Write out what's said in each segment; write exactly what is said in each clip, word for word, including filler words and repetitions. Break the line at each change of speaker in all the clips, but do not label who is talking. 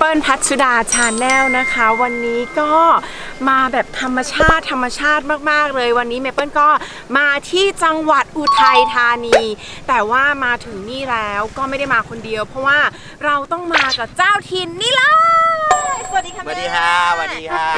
ปิ้ลพัชดาชาแนลนะคะวันนี้ก็มาแบบธรรมชาติธรรมชาติมากๆเลยวันนี้เมเปิ้ลก็มาที่จังหวัดอุทัยธานีแต่ว่ามาถึงนี่แล้วก็ไม่ได้มาคนเดียวเพราะว่าเราต้องมากับเจ้าถิ่นนี่เลยสวัสดีค่ะ
สวัสดีค่ะสวัสดีค่ะ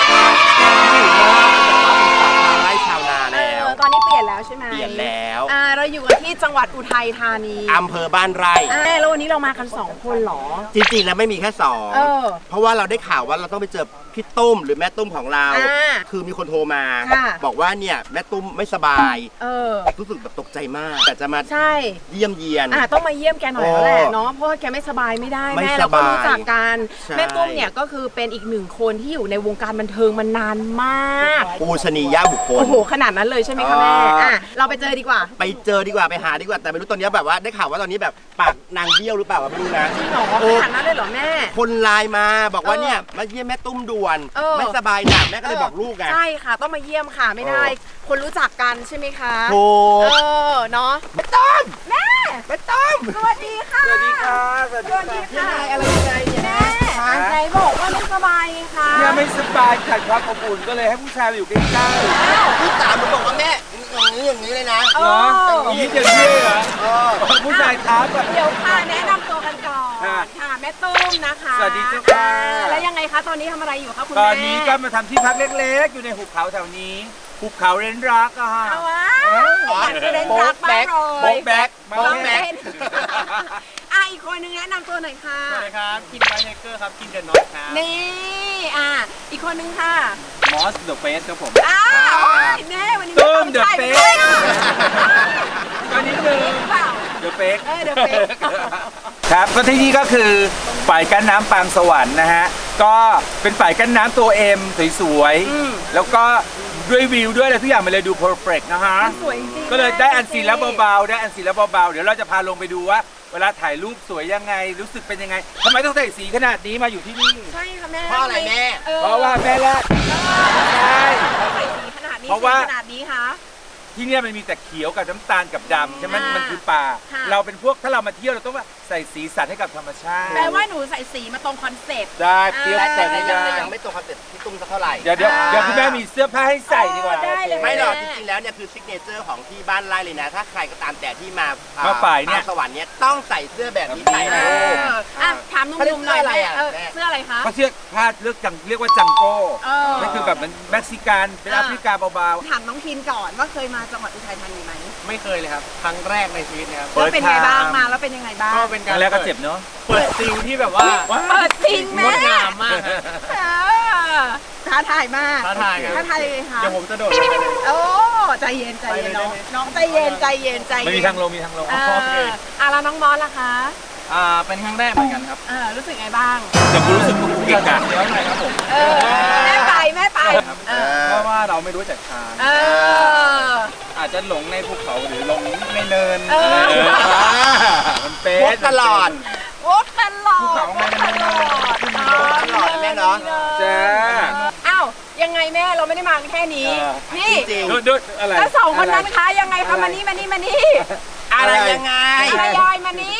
ไร่ชาวนาแล้ว
ตอนนี้เปลี่ยนแล้วใช่ไหม
เปลี่ยนแล้ว
อ่าเราอยู่กันที่จังหวัดอุทัยธานี
อำเภอบ้านไร่
แล้ววันนี้เรามากันสองคนหรอ
จริงๆแล้วไม่มีแค่สองเพราะว่าเราได้ข่าวว่าเราต้องไปเจอพี่ตุ้มหรือแม่ตุ้มของเราคือมีคนโทรมาบอกว่าเนี่ยแม่ตุ้มไม่สบายรู้สึกแบบตกใจมากแต่จะมาเยี่ยมเยียน
ต้องมาเยี่ยมแกหน่อยแล้วแหละเนาะเพราะว่าแกไม่สบายไม่ได้แม่เราก็รู้จักกันแม่ตุ้มเนี่ยก็คือเป็นอีกหนึ่งคนที่อยู่ในวงการบันเทิงมานานมาก
ปูชนียบุคคล
โอ้โหขนาดนั้นเลยใช่ไหมคะแม่อ่ะเราไปเจอดีกว่า
ไปเจอดีกว่าไปหาดีกว่าแต่ไม่รู้ตอนนี้แบบว่าได้ข่าวว่าตอนนี้แบบปากนางเบี้ยวหรือเปล่าไม่รู้นะ
จริงเหรอขนาดนั้นเลยเหรอแม่
คนไลน์มาบอกว่าเนี่ยมาเยี่ยมแม่ตุ้มด่วนไม่สบายหนักแม่ก็เลยบอกลูกไง
ใช่ค่ะต้องมาเยี่ยมค่ะไม่ได้คนรู้จักกันใช่ไหมคะ
โอ้
เออเนาะ
แม่ตุ้ม
แม่
แม่ตุ้ม
สวัสดีค่ะ
สวัสดีค่ะสวัสดีค่ะอะไรยังไงเนี่ย
แม่ใจบอกว่าไม่สบายไงคะ
เนี่ยไม่สบายขาดความอบอุ่นก็เลยให้ผู้ชายอยู่ใกล้
ๆพี่ตามมันบอกว่าแม่อย่างนี้อย่างนี้เลยนะ
เหรออย่างนี้อย่างนี้เหรอผู้ชายท้าแบบ
เดี๋ยวค่ะแนะนำตัวกันก่อนค่ะแม่ตุ้มนะคะ
สวัสดีจ้า
แล้วยังไงคะตอนนี้ทำอะไรอยู่คะคุณแม่
ตอนนี้ก็มาทำที่พักเล็กๆอยู่ในหุบเขาแถวนี้หุบเขาเรนรักอะฮะ
เอาวะเรนรักบ้างเลย
โบ๊กแบ็ก
โบ๊กแบ็กอ่ะอีกคนนึงแนะนำตัวหน่อยค่ะ
สวัสดีครับคินไบเฮเกอร์ครับคินเดนน็อตครับ
นี่อ่ะอีกคนนึงค่ะ
มอสเดอะเฟสครับผม
อ้าวแน่วันนี้
ตุ้มเดอะเฟสตัวนี้หนึ่งเดอะเฟส
เออเดอะเฟส
ครับก็ที่นี่ก็คือฝ่ายกั้นน้ำปางสวรรค์นะฮะก็เป็นฝ่ายกั้นน้ำตัวเอ็มสวยๆแล้วก็ด้วยวิวด้วยอะไรทุกอย่างมันเลยดูเพอร์เฟกต์นะฮะ
สวยจริง
ก็เลยได้อันซีนแล้วเบาๆได้อันซีนแล้วเบาๆเดี๋ยวเราจะพาลงไปดูว่าเวลาถ่ายรูปสวยยังไงรู้สึกเป็นยังไงทำไมต้องใส่สีขนาดนี้มาอยู่ที่นี่
ใช่ค่ะแม่
เพราะอะไรแม่
เพราะว่าแม่แรก
ใช่ใส่สีขนาดนี้เพราะว่าขนาดนี้ค่ะ
ที่นี่มันมีแต่เขียวกับน้ำตาลกับดำใช่ไหมมันคือป่าเราเป็นพวกถ้าเรามาเที่ยวเราต้องว่าใส่สีสันให้กับธรรมชาติ
แปลว่าหนูใส่สีมาตรงคอนเซ็ปต์
ได้เปรี้ยว
แต่ยังยังไม่ตรงคอนเซ็ปต์ที่ตุ้มสักเท่าไหร่
เดี๋ยวเดี๋ยวเดี๋ยวคุณแม่มีเสื้อผ้าให้ใส่ดีกว่า
ได้เลย
ไม่หรอกจริงๆแล้วเนี่ยคือซิกเนเจอร์ของที่บ้านไร่เลยนะถ้าใครก็ตามแต่ที่มา
มาฝ่ายเนี่ย
สวรรค์เนี่ยต้องใส่เสื้อแบบนี้ใส่
นะอ่ะถามนุ่มๆหน่อยแม่เสื้ออะไรคะ
เขาเสื้อผ้าเลือกจังเรียกว่าจังโก้นั่นคือแบบมันเม็กซิกันเป็นแอฟริกาเบา
ๆถามน้องคินก่อนว่าเคยมาจังหวัดอุทัยธานีไหม
ไม่เคยเลยครับครั้งแรกในชีวิตนะครับ
แล้วเป็นไงบ้างมาแล้วเป็นยังไงบ้าง
ก็เป็นการ
แรกก็เจ็บเนาะ
เปิดซิงที่แบบว่า
เปิดซิงแม่
งดงามมาก
ท้าทายมาก
ท้าทายครับ
ท้าทายเลยค่ะ
เดี๋ยวผมจะโดดลงไปเลย
โอ้ใจเย็นใจเย็นน้องน้องใจเย็นใจเย็นใจเย็น
ไม่มีทางลงมีทางลง
โอเคอ่ะแล้วน้องมอสล่ะคะ
อ่าเป็นครั้งแรกเหมือนกันครับ
เออรู้สึกไงบ้าง
จะรู้สึกเก่งกัน
เดี๋ยวหน่อยครับผม
เออแม่ไปแม่ไป
เพราะว่าเราไม่รู้จักทางอาจจะหลงในภูเขาหรือหลงในเนิน
มันเป็น
วกตลอด
วกตลอด
ภูเขาไม่ได้
ตลอดแม่เนาะ
จ้า
อ้าวยังไงแม่เราไม่ได้มาแค่นี้นี่
ดูอะไร
แล้วสองคนนั้นคะยังไงคะมานี่มานี่มานี่
อะไรยังไง
อะไรยายมานี่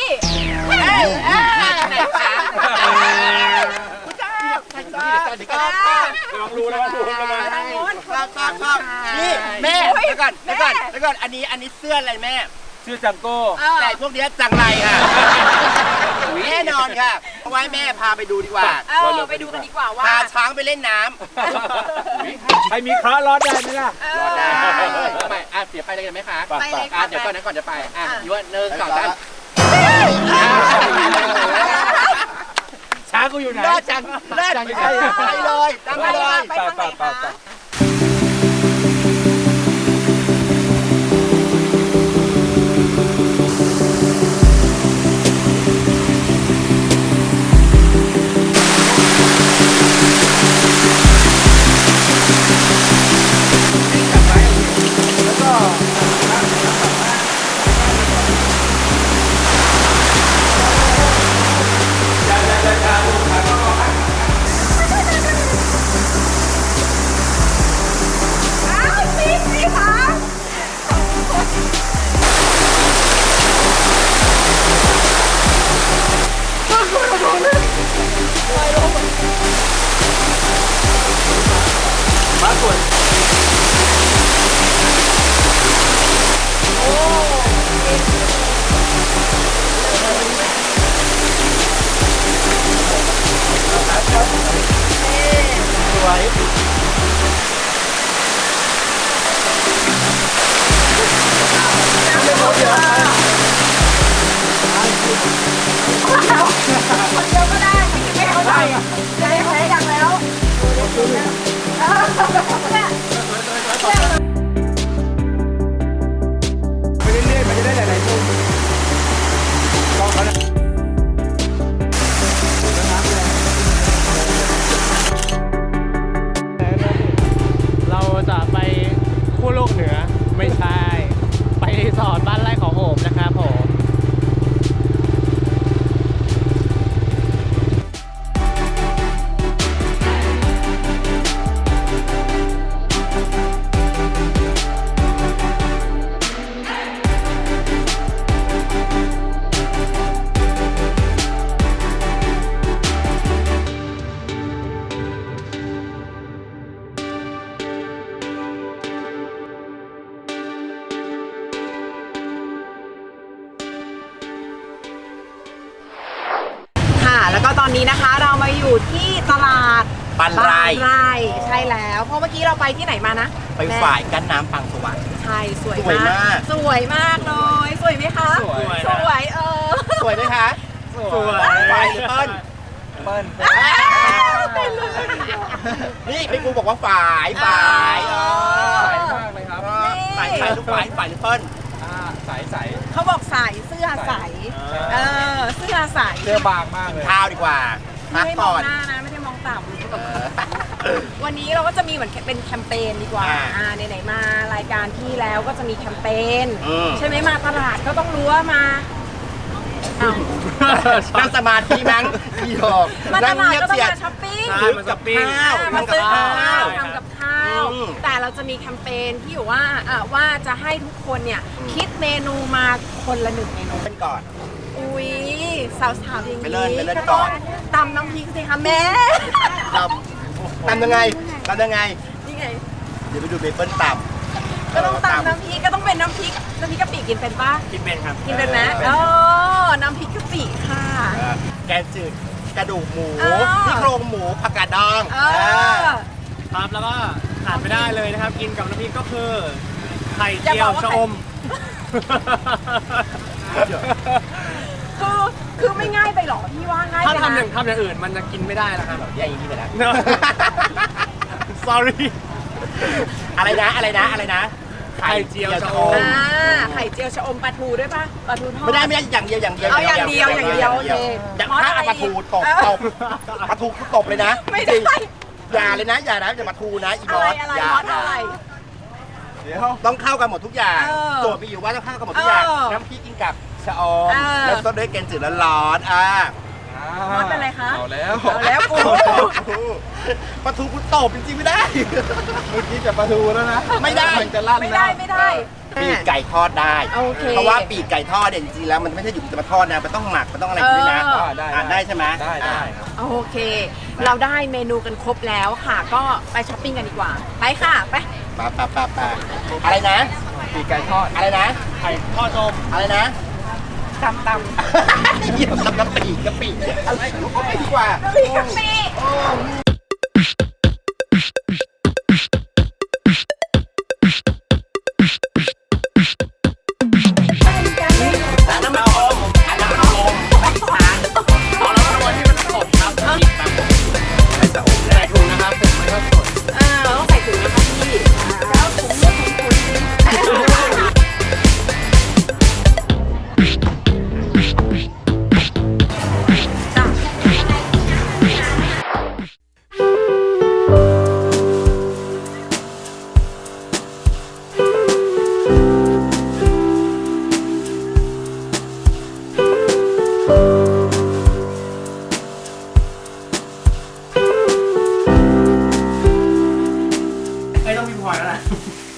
ลองดูแล้วดูแล้ว
นี่แม่เดี๋ยวก่อนเดี๋ยวก่อนเดี๋ยวก่อนอันนี้อันนี้เสื้ออะไรแม่
เสื้อจังโก้
แต่พวกนี้จังไรค่ะแน่นอนค่ะเอาไว้แม่พาไปดูดีกว่า
เออไปดูกันดีกว่าว่า
พาช้างไปเล่นน้
ำใครมีค้ารอดได้ไหมล่ะ
รอดได้ไม่อ่ะเสียไปเลยกันไหมคะ
ไปเลยค่ะ
เดี๋ยวก่อนนะก่อนจะไปอ่ะยูว่าหนึ่งสองสาม
ช้างกูอยู่ไหน
เลิศจังเลิศไปเลยตั้งไปเลย
ไปทางไหนคะ
สวยสวยไปเรื่อยๆมันจะได้หลายๆมุมลองเขานะ
เราจะไปขั้วโลกเหนือไม่ใช่ ไปรีสอร์ทบ้านไร่ของโอบนะครับผม
ค่ะแล้วก็ตอนนี้นะคะเรามาอยู่ที่ตลาด
ปันไร่
ไร่ใช่แล้วเพราะเมื่อกี้เราไปที่ไหนมานะ
ไปฝ่ายกั้นน้ำปังสวรรค์
ใช่สวย
สวยมาก
สวยมากเลยสวยไหมคะ
สวย
สวยเออ
สวยไหมคะ
สวย
ฝ่ายหรือเปิ้ล
เปิ้ล
นี่พี่กูบอกว่าฝ่ายฝ่าย
อ๋อ
ใสมากเลยครับ
ฝ่ายฝ่ายทุกฝ่ายฝ่ายหรือเปิ้ล
อ่าใสใส
เขาบอกใส่เสื้อใสเออเสื้อใส
เสื้อบางมากเลย
ข้าวดีกว่าพั
ไม่
ก
ได้มอ
ก่
ง
อน
หน้านะไม่ได้มองต่ำวันนี้เราก็จะมีเหมือนเป็นแคมเปญดีกว่า
อ่า
อ่าไหนๆมารายการที่แล้วก็จะมีแคมเปญ
อืม
ใช่ไหมมาตลาดก็ต้องรู้ว่ามาอ้าว
นั่งสมาธิมั้งพี่หอก
มาต
นั่ง
ลาด
เงียบ
ก็ต้อง
เสียด
มาช้อปปิ้ง
ใช่
ซื้อกับข้าว
มา
ทำกับ
ซื้อกับ
ข้า
ข้าว
ว
ทำกับข้าว
อืม
แต่เราจะมีแคมเปญที่อยู่ว่าอ่ะว่าจะให้ทุกคนเนี่ยคิดเมนูมาคนละหนึ่งเมนู
เป็นก่อน
อุ้ยสาวๆอย่าง
ไปเลิศ
นี้
ไปเลิศ
ก็
ก่
ต้อ
อง น
ตำน้ำพริกสิคะแม่
ตำตำยังไงตำยังไง
นี่ไง
เดี๋ยวไปดูเมเปิ้ลตำ
ก็ต้องตำน้ำพริกก็ต้องเป็นน้ำพริกน้ำพริกกะปิกินเป็นปะ
กินเป็นครับ
กินเป็นไหมอ๋อน้ำพริกกะปิค่ะ
เออแกงจืดกระดูกหมู
เออ
ซี่โครงหมูผักกาดดอง
เอ
เอ
อ
อ
ครับแล้วก็ขาดไม่ได้เลยนะครับ กินกับน้ำพริกก็คือไข่
อย่า
เจี
บ
ย
อ
ว
กว่า
ชะ
ไข่
อม
คือคือไม่ง่ายไปหรอพี่ว่าง่าย
ถ้า
ไป
ทำอย่า
นะ
งทำอย่างอื่นมันจะกินไม่ได้นะครับ
อย่างนี้ไปแล้ว
sorry
อะไรนะอะไรนะอะไรนะ
ไข่เจียวชะอม
อ่าไข่เจียวชะอมปลาทูด้วยปะปลาทูทอด
ไม่ได้ไม่ได้อย่างเดียวอย่างเดียว
เอาอย่างเดียวอย่างเดียวโอเค
อย่างถ้าเอาปลาทูตบตบปลาทูคือตบเลยนะ
ไม่ได้
อย่าเลยนะอย่านะอย่ามาทูนะอีบ
อะ
อ
ไร
ส
อะไร
อย่า
มอสอะไร
เดี๋ยว
ต้องเข้ากันหมดทุกอย่าง
เออ
โจทย์มีอยู่ว่าต้องเข้ากันหมดทุกอย่าง
เออ
น้ำพริกกินกับชะอม
เออ
แล้วต้นด้วยแกงจืดร้อนๆอ่า
มอสเป็นไรคะ
เอาแล้ว
เอาแล้วกู
ปลาทูคุณตบจริงๆไม่ได้
เมื่อกี้จะปลาทูแล้วนะ
ไม่ได้
มันจะลั่น
ไม่
แล้
ได้
ว
ไม่ได้
ปีกไก่ทอดได้
โอเค
เพราะว่าปีกไก่ทอดเนี่ยจริงๆแล้วมันไม่ใช่อยู่จะมาทอดนะมันต้องหมักมันต้องอะไรด้วยนะ
เออ
อ่าได้ใช่ไหม
ได้ได้ครับ
โอเค เราได้เมนูกันครบแล้วค่ะ ก็ไปช้อปปิ้งกันดีกว่า ไปค่ะ ไป
ปาปาปาปาอะไรนะ
ปีกไก่ทอด
อะไรนะ
ไข่ทอดชะอม
อะไรนะ
ตำตำ
เยี่ยมทำกะปิกะปิอะไรก็ไม่ดีกว่า
น้ำพริกกะปิ
อันนั้นมันอมอันนั้นมันอมไม่ทานพอแล้วตัวที่มันสดครับหยิบมาไม่จะอม
ใส่ถุงนะครับผมไม่ชอบสด
เออต้องใส่ถุงนะคะพี่แล้วถุงมือถุงคุณจ้ะ
ไม่ต้องมีพลอยแล้วนะ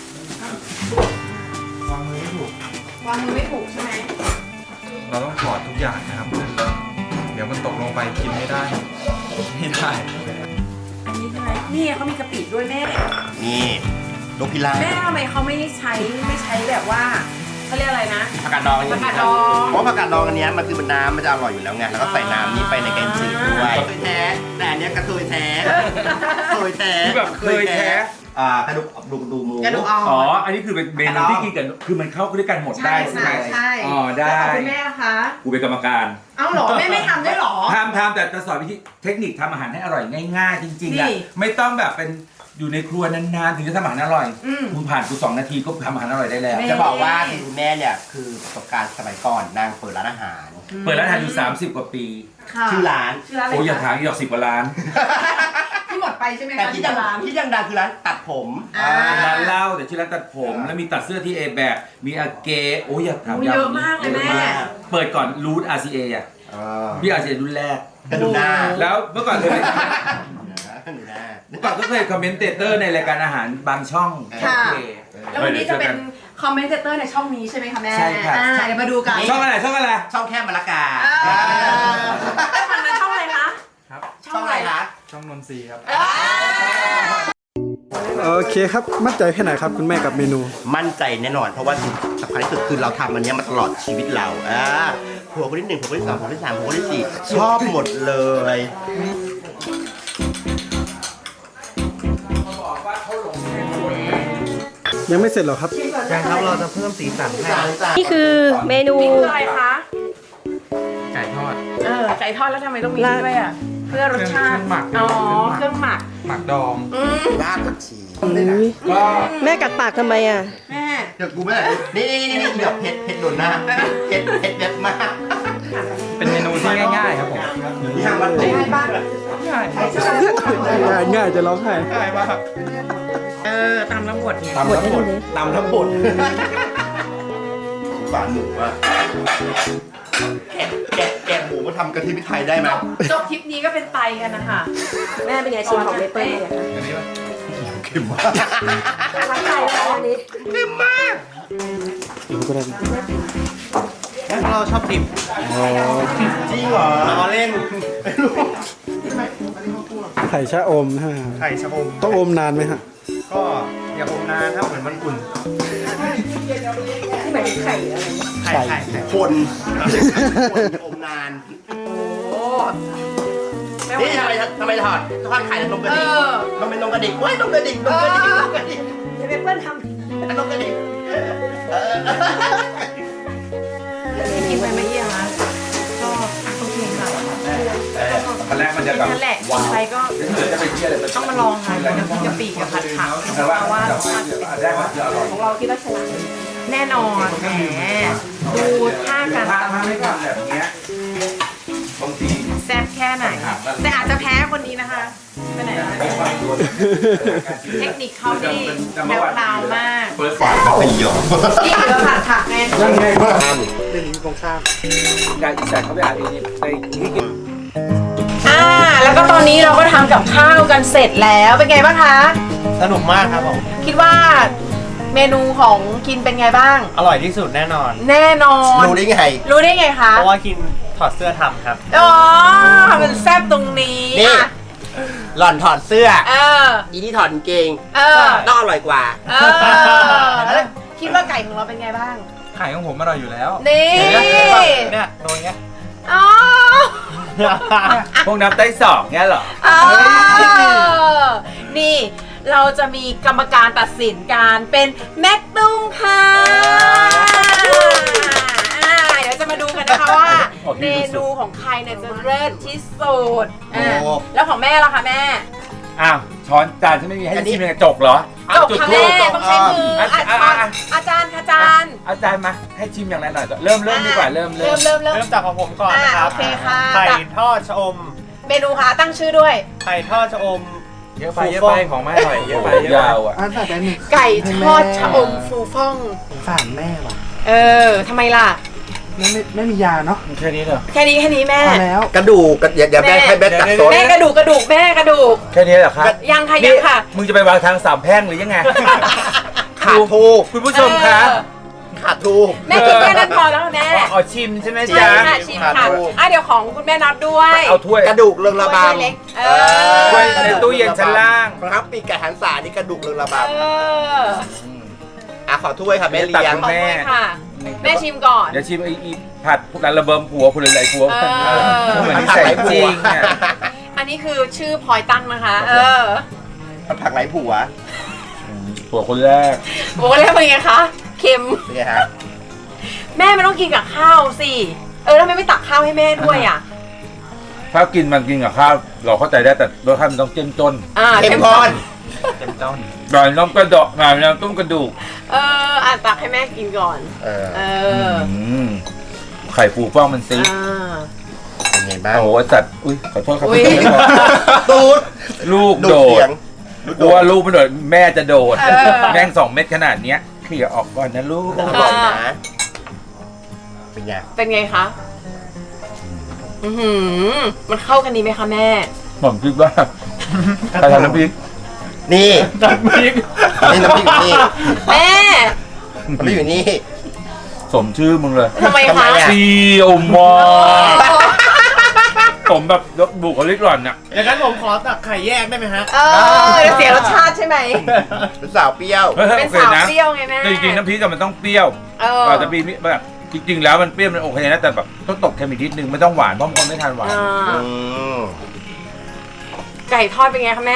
วางมือไม่ถูก
วางมือไม่ถูกใช่ไหม
เราต้องถอดทุกอย่างนะครับ เดี๋ยวมันตกลงไปกินไม่ได้ ไม่ได้
อันนี้ใช่ไหมนี่เขามีกะปิด้วยแม่
มีนี่นกพิราบ
แม่ทำไมเขาไม่ใช้ไม่ใช้แบบว่าเขาเรียกอะไรนะ
ผักกาดดองอันนี้
ผักกาดดอง
เพราะผักกาดดองอันเนี้ยมันคือมันน้ำมันจะอร่อยอยู่แล้วไงแล้วก็ใส่น้ำนี้ไปในแกงจืดด้วยเคยแท้แต่อันเนี้ยกระเทยแท้เคยแท้
ที่แบบเคยแท้
อ่ากระดูกดูกดูหมู
กระดูกอ่อน
อ๋อ อันนี้คือเป็นเมนูที่กินกัน คือมันเข้าด้วยกันหมดได้ใช่ไหม
ใช่
อ๋อ ได้
แล้วของคุณแม่ล่ะคะ
กูเป็นกรรมการ
เอ้าเหรอแม่ไม่ทำด้วยเหรอ
ทำทำแต่จะสอนวิธีเทคนิคทำอาหารให้อร่อยง่ายๆ จริงๆ
นี่
อ่ะ ไม่ต้องแบบเป็นอยู่ในครัวนานๆ ถึงจะทำอาหารอร่อย
อืม
มึงผ่านกูสองนาทีก็ทำอาหารอร่อยได้แล้ว
แม่
จะบอกว่าคือคุณแม่เนี่ยคือประสบการณ์สมัยก่อนนางเปิดร้านอาหาร
เปิดร้านอาหารอยู่สามสิบกว่าปี
ค่ะ
ชื่อร้าน
ชื่อร้านอะไร
โอ้ยอย่า
คะ
ถามอีกหรอกสิบกว่าล้าน
ที่หมดไปใช่ไหม
แต่
คะ
ที่
ที่
ดัง
ร้าน
ที่ดังๆคือร้านตัดผม
อ่า
ร้านเหล้าแต่ชื่อร้านตัดผม แล้วมีตัดเสื้อที่เอแบกมีอาเกโอ้ยอย่าถาม
โอ้ยเยอะมากเลยแม่
เปิดก่อนรูท อาร์ ซี เอ อ่ะ
เออ
พี่ อาร์ ซี เอ รุ่นแรก
กระดูกหน้า
แล้วเมื่อก่อนเคยเป็น
กระดูกหน้า
เมื่อก่อนก็เคยคอมเมนเตเตอร์ในรายการอาหารบางช่อง
ค่ะ
โอเค
แล้ววันนี้จะเป็นคอมเมนเตอร์ในช่องนี้ใช่ไหมคะแม่
ใช่ค่ะ
อ่าเดี๋ยวมาดูกัน
ช่องอะไรช่องอะไร
ช่องแค่มะละกา
เออแล้วฝั่งนั้นช่องอะไรคะ
ครับ
ช่องอะไรคะ
ช่องนนทรีครับ
เออ
โอเคครับ มั่นใจแค่ไหนครับคุณแม่กับเมนู
มั่นใจแน่นอนเพราะว่าสิ่งสำคัญที่สุดคือเราทำอันเนี้ยมาตลอดชีวิตเราอ่าผัวคนที่หนึ่งผัวคนที่สองผัวคนที่สามผัวคนที่สี่ชอบหมดเลย
ยังไม่เสร็จหรอครับ
ยังครับเราจะเพิ่มสีสันให้
สามจาน
นี่คือเมนู
นี่คืออะไรคะ
ไก่ทอด
เออไก่ทอดแล้วทำไมต้องมีด้วยอ่ะ เพื่อรสชาติ
เครื่องหมัก
อ๋อ เครื่องหมัก
หมักดอง
อืม
รากผักชี
ก็
แม่กัดปากทำไมอ่ะ
แม่
เดี๋ยวกูไม่ได้นี่นี่นี่นี่เดี๋ยวเผ็ดเผ็ดโดนหน้าเผ็ดเผ็ดเผ็ดมาก
เป็นเมนูที่ง่ายๆครับผม
นี่ทางมันเผ็ด
ง่ายป่ะ
ง่าย
ง่ายง่ายจะร้องไห้
ง่ายมาก
เออตามน้ำบดไง
ตำทั้งหมดตำทั้งหมดฝานหมูอะแกะแกะแกะหมูมาทำกะทิพริกไทยได้ไหม
จบทริปนี้ก็เป็นไตกันนะคะ
แม่เป็นไงชิมของเมเปิ้ลเนี่ย
เค็มมาก
ทั้งใจแล้วอันนี้
เค็มมาก
เราชอบดิบ
จริงเหรอล้อเล่นไม่รู้
ไข่ชะอมใช่ไหมครับ
ไข่ชะอม
ต้องอมนานไหมฮะ
ก็อย่าอมนานถ้าเหมือนมันอุ่น
ที่หมายถึงไข่อะไร
ไข่ไข่ไข่
คนคนอมนาน
โอ้แม่
นี่
ว่า
ทำไมทำไมถอดทอดไข่แล้วนมกระดิ่ง
เออ
มันเป็นนมกระดิ่งเว้ยนมกระดิ่งนมกระดิ่งนมกระดิ่ง
เมเปิ้ลท
นมกระดิ่งเออ
กินไปไหมยี่คะก็โอเคค่ะ
ตอนแรกมันจะแบบ
นั่นแหละกินไปก็
เดี๋ยวจะไปเที่ยวเลย
ต้องมาลองค่ะน้ำพริกกะปิกับผัดผัก
แต่ว่า
เพราะว่า
ได้ว่าจะอร่อย
ของเราคิดว่าชนะแน่นอนแหมดูท่าการ
ถ้า
ตำ
ถ้าไม่ทำแบบเนี้ยบางที
แซ่บแค่ไหน แต่อาจจะแพ้คนนี้นะคะไปไหนนะ
ไม่ค่อยตัว
เทคนิคเขาดีแนวพราวมาก
เปิดฝา
ไปหยอก
นี่คือผัดผักไง
ยังไงบ้าง
เรื่องนี้ตรงข้าม
การอีสานเขาไปอ่านเองในที่กิน
อ่าแล้วก็ตอนนี้เราก็ทำกับข้าวกันเสร็จแล้วเป็นไงบ้างคะ
สนุกมากครับผม
คิดว่าเมนูของกินเป็นไงบ้าง
อร่อยที่สุดแน่นอน
แน่นอน
รู้ได้ไง
รู้ได้ไงคะ
เพราะว่ากินถอดเสื้อทำครับ
อ๋อมันแซ่บตรงนี้
นี่
อ่ะ
หล่อนถอดเสื้อ
เออ
อีนี่ถอดกางเกง
เออ
ต้องอร่อยกว่า
เออแล้วคิดว่าไก่ของเราเป็นไงบ้าง
ไข่ของผมอร่อยอยู่แล้ว
นี่
เนี่ยโดนเงี้ย
อ๋อ
พวกน้ำไต้สองเนี้ยเหรอ
อ๋อนี่เราจะมีกรรมการตัดสินการเป็นแม็กตุ้งค่ะอ่าเดี๋ยวจะมาดูกันนะคะว่า เมนูของใครเนี่ยจะเลิศที่สุดอ่า
โอ้
แล้วของแม่ล่ะคะแม่
อ้าวช้อนจานฉันไม่มีให้ชิมในกระจกเหรอ
จบค่ะแม่ต้องใช้มือ
อ่ะ
อา
อ่ะ
จาร
อ่ะ
ย์อาจารย์ค่ะอาจารย์
อาจารย์มาให้ชิมอย่างไรหน่อยก่อนเริ่มเริ่มดีกว่าเริ่ม
เริ่
เริ่
ม
ม
เริ่มเริ่ม
เริ่มจากของผมก่อนนะครับ
อ่าโอเคค่ะ
ไข่ทอดชะอม
เมนูค่ะตั้งชื่อด้วย
ไข่ทอดชะอม
เยอะไปเยอะไปของไม่อร่อยเยอะไปยาวอ่ะ
อ่านใส่ใจหนึ่ง
ไก่ทอดชะอมฟูฟ่อง
สารแม่ว่ะ
เออทำไมล่ะ
แม่ไม่ไม่มียาเนาะ
แค่นี้เหรอ
แค่นี้แค่นี้แม่
พอแล้ว
กระดูกกระเดี๋ยวเดี๋ยวแม่
แม่
ให้แม่ตัดโซน
แม่กระดูกกระดูกแม่กระดูก
แค่นี้เหรอครับ
ยังค่ะ
นี่
ยังค่ะ
มึงจะไปวางทางสามแพร่งหรือยังไง
ขาดทู
คุณผู้ชมคะ
เออ
ขาดทูบ
แม่กินแค่นั้นพอแล้วค่ะแม่
อ๋อชิมใช่ไหม
ใช่
จ๊ะ
ค่ะชิมค่ะ
ขาดลูก
อ่ะเดี๋ยวของคุณแม่นับด้วย
เอาถ้วย
กระดูกเรืองระบ
ถ้วยเล็กเออ
ำ
ถ้วยในตู้เย็นชั้นล่าง
ครับปีกไก่หันษานี่กระดูกเรืองระบ
เออ
ำอ่ะขอถ้วยค่ะแม่เลี้ยง
ตัก
ขอ
แม่
ด้วยค่ะ แม่ชิมก่อน
เดี๋ยวชิมไอ้อีผัดการระเบิมผัวคุณหลายๆผัว
เออ
เหมือนที่ใส่จริงอ่ะ
อันนี้คือชื่อพลอยตั้งนะคะ เออ
ผักไหลผัว
ผัวคนแรก
โอ้แล้วเป็นไงคะ เค็ม
เป็นไงฮะ
แม่ไม่ต้องกินกับข้าวสิ เออแล้วทำไมไม่ตักข้าวให้แม่ด้วยอ่ะ
ถ้ากินมันกินกับข้าวเราเข้าใจได้แต่รสชาติมันต้องเจ้มจน
อ่า
เค็มข้น
เจ้มจนหน่อยน้ำกระดอกหน่อยน้ำต้มกระดูก
เอออ่ะตักให้แม่กินก่อน
เออ
เออ
มไข่ฟูฟ่องมันซิ
อ่า
เป็นไงบ้าง
โอ้โหจัดอุ้ยขอโทษครับ
อุ๊ย
ตูด
ลูก
ดู
โด
ดเสี
ด
ยง
กลัวลูกไม่โดดแม่จะโดด
เออ
แม่งสองเม็ดขนาดเนี้ยเคลียร์ออกก่อนนะลูก
อร่อยนะเป็นไง
เป็นไงคะอือหือมันเข้ากันดีไหมคะแม่
ผมคิดว่าใครทำน้ำพริก
นี่
น้ำพริก
นี่น้ำพริกอยู่นี่
แม่
น้ำพริกอยู่นี่
สมชื่อมึงเลย
ทำไม
ทำไม
คะ
อะ
ซีโอมอสมแบบยกบุคลิกหล่อนน่ะ
อย่างนั้นผมขอตักไข่แยกได้ไหมฮะ
เออเดี๋ยวเสียรสชาติใช่ไหม
เป็นสาวเปรี้ยว
ฮ้ย
เป็น
โอค
สาว
นะ
เปรี้ยวไงแม่
แต่จริงๆน้ำพริกอะมันต้องเปรี้ยว
เออ
อาจจะมีแบบจริงๆแล้วมันเปรี้ยวมันโอเคนะแต่แบบต้องตกเค็มอีกนิดนึงไม่ต้องหวานเพราะบางคนไม่ทานหวาน
อ่า
อืม
ไก่ทอดเป็นไงคะแม่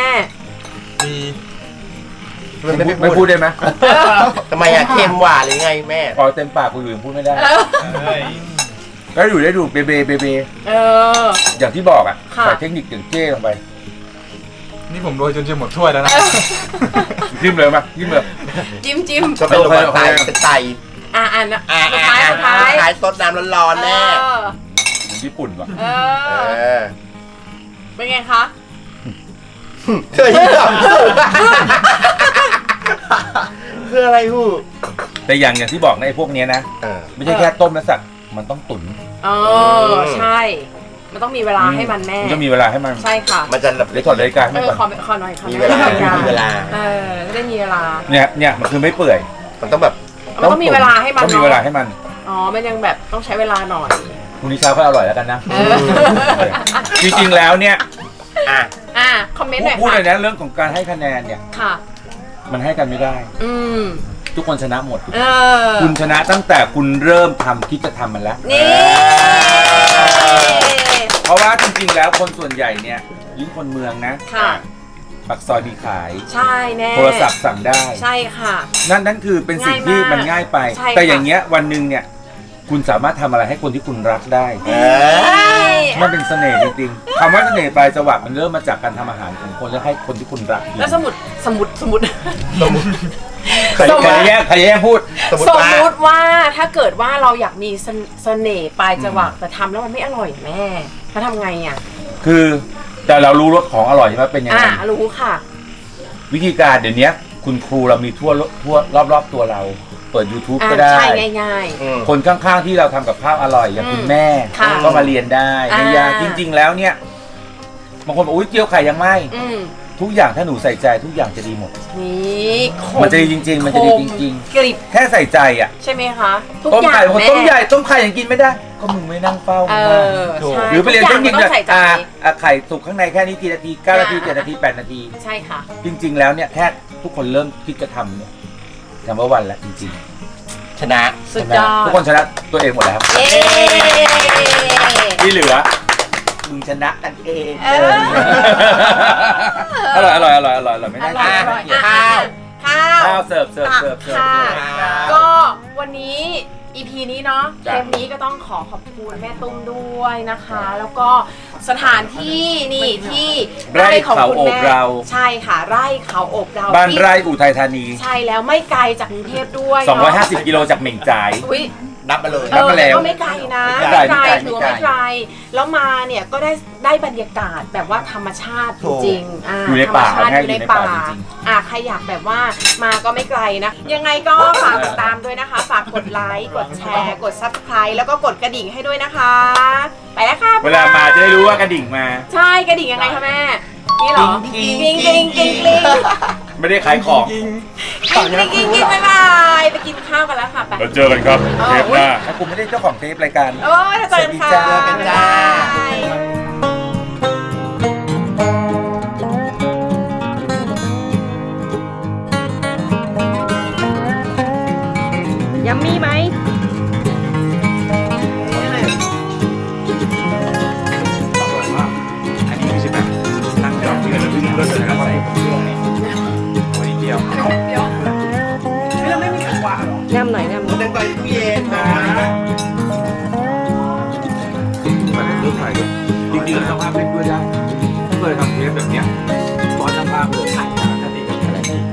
มันไม่
ไม่
พู
พู
ด
ดได้ไหม
ทำไมอะเค็มหวานหรือไงแม่
พอเต็มปากกูอยู่ยังพูดไม่ได้
เออ
แล้วอยู่ได้ดูเบเบเบเบ
เออ
อย่างที่บอกอ่ะ
ค่ะ
ใส่เทคนิคอย่างเจ้ลงไป
นี่ผมโรยจนจะหมดถ้วยแล้วนะ
ยิ้มเลยมายิ้มเลย
จิ้มจิ้ม
ก็เป็นโรคไต
โอเค
เป็นไต
อ่าอ่านะ
อ่า
สุด
อ่า
ท้ายสุดท้าย
ท้ายซดน้ำร้อนๆแน่
เออ
เหมือนญี่ปุ่นว่ะ
เอ
เอ
อ
อ
เป็นไงคะ
เคยที่แบบคืออะไรฮู้
แต่อย่างอย่างที่บอกนะไอ้พวกเนี้ยนะ
เออ
ไม่ใช่แค่ต้มและสักมันต้องตุ๋น
เออใช่ มันต้องมีเวลาให้มันแม่
มันต้องมีเวลาให้มัน
ใช่ค่ะ
มันจะแบบ
เดี๋ยวถอดนาฬิกาให้
เอ
มัน
อ
ก่อน
ขอขอหน่อยค่ะ
มีเวลา
แม่
มีเวลา
เออจะได้มีเวลา
เนี่ยเนี่ยมันคือไม่เปื่อย
มันต้องแบบ
มันต้องมีเวลาให้มัน
ต้องมี
เนาะ
เวลาให้มัน
อ๋อ มันยังแบบต้องใช้เวลาหน่อย
พรุ่งนี้เช้าก็อร่อยแล้วกันนะ
เออ
จริงๆแล้วเนี่ย
อ่ะ
อ่ะคอมเมนต์หน่อย
พูด
ค่ะ
เลยนะเรื่องของการให้คะแนนเนี่ย
ค่ะ
มันให้กันไม่ได้
อืม
ทุกคนชนะหมด
เออ
คุณชนะตั้งแต่คุณเริ่มทำคิดจะทำมันแล้ว
นี่
เพราะว่าจริงๆแล้วคนส่วนใหญ่เนี่ยยิ่งคนเมืองนะ
ค่ะ
ปักซอยมีขาย
ใช่แน่
โทรศัพท์สั่งได้
ใช่ค่ะ
นั่นนั่นคือเป็นสิ่งที่
ง่ายมาก
มันง่ายไป
ใช่ค่ะ
แต่อย่างเงี้ยวันหนึ่งเนี่ยคุณสามารถทำอะไรให้คนที่คุณรักได้
เออ
มันเป็นเสน่ห์จริงๆคำว่าเสน่ห์ปลายจวักมันเริ่มมาจากการทำอาหารของคนแล้วให้คนที่คุณรักกิน
แล้วสมุดสมุดสมุด
ใคร
สมมุติ
ใครแย่งใครแย่งพูด
สมมติ
สม
ว่า
มุติว่าถ้าเกิดว่าเราอยากมีเสเสน่ห์ปลายจวักแต่ทำแล้วมันไม่อร่อยแม่ถ้าทำไงอ่ะ
คือแต่เรารู้รสของอร่อยใช่ไหมเป็นยัง
อ่า
ไง
รู้ค่ะ
วิธีการเดี๋ยวนี้คุณครูเรามีทั่วทั่วรอบๆตัวเรา เปิด YouTube
อ่า
ก็ได้
ใช่ง่าย
อืม
คนข้างๆที่เราทำกับข้าวอร่อยอย่าง
อืม
คุณแม่
ค่ะ
ก็มาเรียนได้ไม่ยาก
อ่า
จริง ๆ แล้วเนี่ยบางคนบอกอุ้ยเจียวไข่ยังไม่
ๆอืม
ทุกอย่างถ้าหนูใส่ใจทุกอย่างจะดีหมด
นี่ค
มันจะดีจริงๆมันจะดีจริง
ๆกริบ
ๆ แค่ใส่ใจอ่ะ
ใช่ไหมคะทุก
ต้ม
อย่าง
ไข่บางคน
แม่
ต้มใหญ่ต้มไข่ยังกินไม่ได้ ก็มึงไม่นั่งเฝ้า
เออ
ถูก
ใช่
หรือไปเรียน
ทุ
เท
ก
ค
อย่าง
นิค
มันต้องใส่ใจ
อ่าอ่ะไข่สุกข้างในแค่นี้กี่นาทีเก้านาทีเจ็ดนาทีแปดนาที
ใช่ค่ะ
จริง ๆ แล้วเนี่ยแค่ทุกคนเริ่มคิดจะทำเนี่ยทำว่าวันละจริง
ชนะ
สุดยอด
ๆทุกคนชนะตัวเองหมดแล้ว
เย้
ที่เหลือมึงชนะกันเอง
เออ
อร่อยอร่อยอร่อยอร่อยอร่อยไม่
อ
น่า
ร่อย
เกลียด
อร่อยอ่ะข้าว
ข้าวเสิร์ฟเสิร์ฟ
ตัก
เสิร์ฟเสิร์ฟ
ค่ะ
เสิร์ฟ
ก็วันนี้ อี พี นี้เนาะเท
จ้ะ
ปนี้ก็ต้องขอขอบคุณแม่ตุ้มด้วยนะคะ แล้วก็สถานที่นี่ที่
ไร่เขาโอบเรา
ใช่ค่ะไร่เขาโอบเรา
บ้าน
ที่
ไร่อุทัยธานี
ใช่แล้วไม่ไกลจากกรุงเทพด้วยเนะ
สองร้อยห้าสิบกิโลจากเหม่งจ่าย
อุ๊ย
นับมาเลย
เอ
นับ
อ
มาแล้ว
ก็ไม่ไกลนะ
ไม่ไกล
ไม่ไกล
ไม่ไกล
ถือว่าไม่ไกลแล้วมาเนี่ยก็ได้ได้บรรยากาศแบบว่าธรรมชาติจริงๆอ่า
อยู่ในป่า
ธรรมชาติ
ให้
อยู่ใน
อยู่ในป่า
ป่า
จริง
อ่าใครอยากแบบว่ามาก็ไม่ไกลนะ ยังไงก็ฝากติดตามด้วยนะคะ ฝากกดไลค์กดแชร์กด ซับสไครบ์ แล้วก็กดกระดิ่งให้ด้วยนะคะ ไปแล้วค่ะ
เวลามาจะได้รู้ว่ากระดิ่งมา
ใช่กระดิ่งยังไงคะแม่นี่เหรอ
กิ๊
กิ้ง
ง
กิ้งกิ้งกิ้ง
ไม่ได้ขายของ
กิ๊กกิ๊กกิ๊กกิ๊กบ๊ายบายไปกินข้าวกันแล้วค่ะไป
เราเจอกันครับเทปหน้า
ถ้าคุณไม่ได้เจ้าของเทปรายการ
โอ้ยเจอกันค่ะ
สวัสดีจ้า
บ๊ายบาย
ยัมมี่ไหม
อันนี้ไม่ใช่แบบนั่งดอกเบี้ยแล้ววิ่งรถเลยแล้วก็ใส่เครื่องนี่ตัวนิดเดียว
ง่ำหน่อยง่ำหน่อย
ตั้งแต่ตู้เย็นนะ
แบบรูปถ่ายด้วยจริงๆแล้วช่างภาพเล่นด้วยได้เคยทำเทปแบบเนี้ยตอนช่างภาพเลยถ่ายจากคดีกับอะไรที่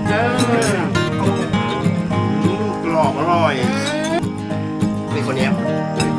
กรอบอร่อยเป็นคนเนี้ย